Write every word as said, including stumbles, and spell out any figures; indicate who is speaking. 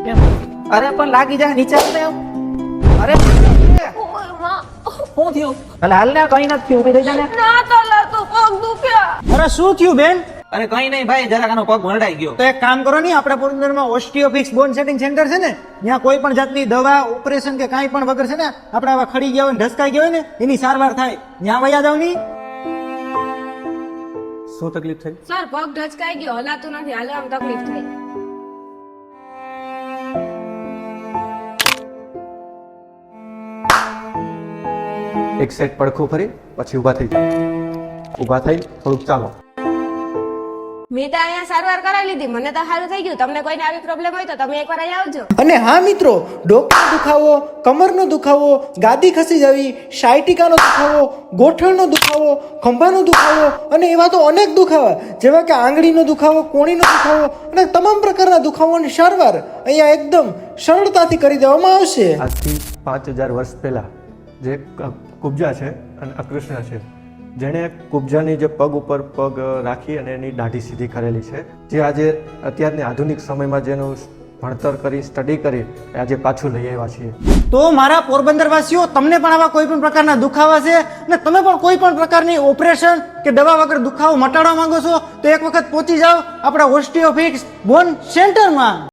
Speaker 1: કેમ? અરે પણ લાગી જાય નીચે આવને એમ. અરે શું થયું? અલે હાલ ને, કઈ નથી થયું, ઉભી થઈ જા ને.
Speaker 2: ના તલા તો પગ દુખ્યા.
Speaker 3: અરે શું થયું બેન?
Speaker 1: અરે કઈ નહીં ભાઈ, જરાક આનો પગ વરડાઈ ગયો.
Speaker 3: તો એક કામ કરો ને, આપણા પોરબંદરમાં ઓસ્ટિયોફિક્સ બોન સેટિંગ સેન્ટર છે ને, ત્યાં કોઈ પણ જાતની દવા ઓપરેશન કે કાંઈ પણ વગર છે ને, આપણે આવા ખડી ગયા હોય ને ઢસકાઈ ગયા હોય ને એની સારવાર થાય. ત્યાં વયા જાવ ની. શું તકલીફ થઈ?
Speaker 2: સર પગ ઢચકાઈ ગયો, હલાતું નથી, હાલવામાં તકલીફ થઈ.
Speaker 4: એક સેટ પડખું ફરી પછી ઊભા થઈ જાઓ. ઊભા થઈ થોડુંક ચાલો.
Speaker 2: મેં તો અહીંયા સારવાર કરાવી લીધી, મને તો સારું થઈ ગયું. તમને કોઈને આવી પ્રોબ્લેમ હોય તો તમે એકવાર અહીંયા આવજો.
Speaker 3: અને હા મિત્રો, ડોકનો દુખાવો, કમરનો દુખાવો, ગાદી ખસી જવી, સાયટિકાનો દુખાવો, ગોઠણનો દુખાવો, ખંભાનો દુખાવો અને એવા તો અનેક દુખાવા જેવા કે આંગળીનો દુખાવો, કોણીનો દુખાવો અને તમામ પ્રકારના દુખાવાની સારવાર અહીંયા એકદમ સરળતાથી કરી દેવામાં આવશે.
Speaker 4: આજથી પાંચ હજાર વર્ષ પહેલા જે કુબજા છે અને અકૃષ્ણ છે, જેણે કુબજાની જે પગ ઉપર પગ રાખી અને એની દાઢી સીધી કરેલી છે, જે આજે અત્યારની આધુનિક સમયમાં જેનું ભણતર કરી સ્ટડી કરી આજે પાછું લઈ આવ્યા છીએ.
Speaker 3: તો મારા પોરબંદર વાસીઓ, તમને પણ આવા કોઈ પણ પ્રકારના દુખાવા છે અને તમે પણ કોઈ પણ પ્રકારની ઓપરેશન કે દવા વગર દુખાવો મટાડવા માંગો છો તો એક વખત પહોંચી જાઓ આપણા ઓસ્ટિયોફિક્સ બોન સેન્ટરમાં.